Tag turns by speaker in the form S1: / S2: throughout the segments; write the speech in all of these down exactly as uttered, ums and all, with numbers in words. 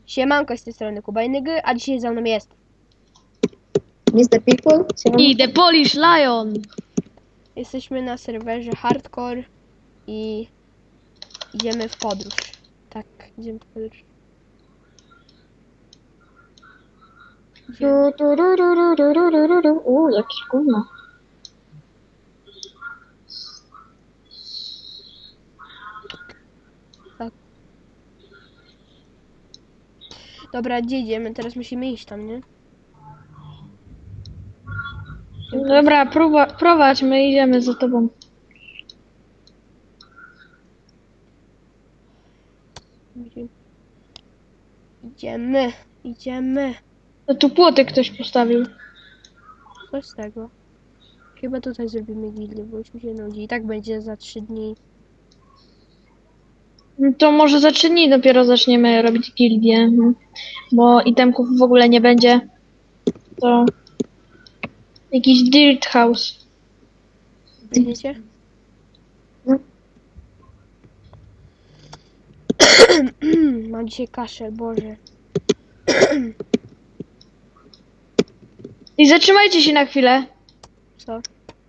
S1: Siemanko, z tej strony Kuba i Nygy, a dzisiaj za mną jest
S2: mister People?
S3: I The Polish Lion.
S1: Jesteśmy na serwerze Hardcore i idziemy w podróż. Tak, idziemy w podróż. Idziemy.
S2: Tu, tu, ru, ru, ru, ru, ru, ru, ru. Uuu, jakieś gówno.
S1: Tak. Dobra, gdzie idziemy? Teraz musimy iść tam, nie?
S3: Dobra, próba, prowadź, my idziemy za tobą.
S1: Idziemy, idziemy.
S3: No tu płoty ktoś postawił.
S1: Coś z tego. Chyba tutaj zrobimy gildię, bo już mi się nudzi. I tak będzie za trzy dni.
S3: No to może za trzy dni dopiero zaczniemy robić gildię. mhm. Bo itemków w ogóle nie będzie. To jakiś dirt house.
S1: Będziecie?
S2: No.
S1: Mam dzisiaj kaszel, Boże.
S3: I zatrzymajcie się na chwilę.
S1: Co?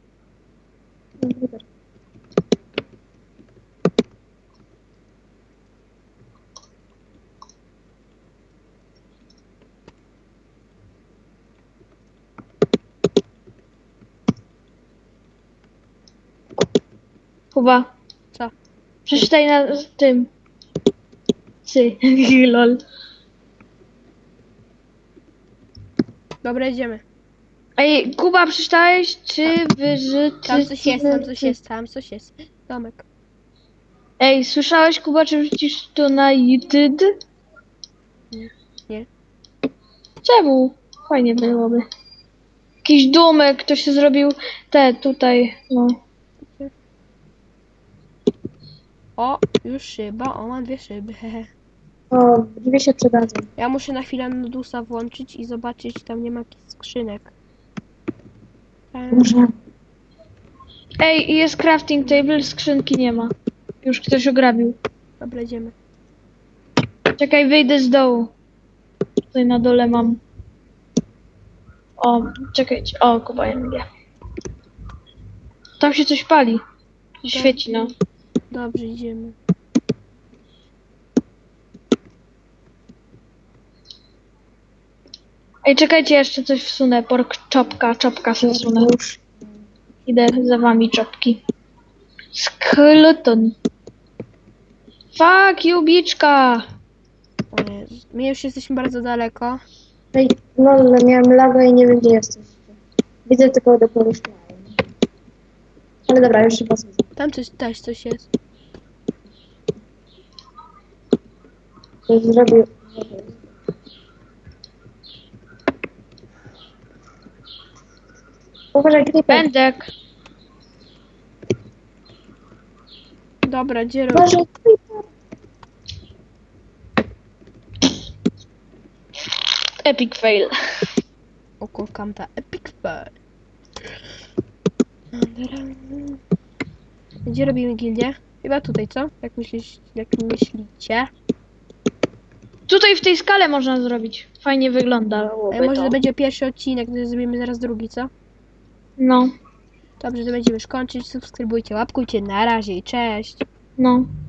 S3: Kuba,
S1: Co?
S3: przeczytaj na tym. Sy, lol.
S1: Dobra, idziemy.
S3: Ej, Kuba, przeczytałeś, czy wyżyty...
S1: Tam coś jest, tam coś jest, tam coś jest. Domek.
S3: Ej, słyszałeś, Kuba, czy wrzucisz to na YouTube?
S1: Nie.
S3: Czemu? Fajnie byłoby. Jakiś domek, ktoś się zrobił te tutaj, no.
S1: O, już szyba, o, mam dwie szyby, hehe.
S2: O, drzwi się przydadzą.
S1: Ja muszę na chwilę Nudusa włączyć i zobaczyć, czy tam nie ma jakichś skrzynek. Tam.
S2: Może.
S3: Ej, jest crafting table, skrzynki nie ma. Już ktoś ograbił.
S1: Dobra, idziemy.
S3: Czekaj, wyjdę z dołu. Tutaj na dole mam. O, czekajcie. O, Kuba, ja mówię. Tam się coś pali. Świeci, no.
S1: Dobrze, idziemy.
S3: Ej, czekajcie, jeszcze coś wsunę. Pork czopka, czopka sobie wsunę.
S2: Już.
S3: Idę za wami, czopki. Skeleton. Fuck you, biczka.
S1: O Jezu. My już jesteśmy bardzo daleko.
S2: Ej, lol, miałem laga i nie wiem, gdzie jesteś. Widzę tylko do Polish Lion. Ale dobra, już się pasuje.
S1: Tam coś, też coś jest.
S2: Coś zrobił. Uważaj, creeper.
S3: Pędek.
S1: Dobra, gdzie robię?
S2: Uważaj, creeper.
S3: Epic fail.
S1: Okulkam ta epic fail. Gdzie robimy gildię? Chyba tutaj, co? Jak myślisz, jak myślicie?
S3: Tutaj w tej skale można zrobić. Fajnie wygląda.
S1: A może to będzie pierwszy odcinek, to zrobimy zaraz drugi, co?
S3: No,
S1: Dobrze, to będziemy już kończyć. Subskrybujcie, łapkujcie. Na razie i cześć.
S3: no.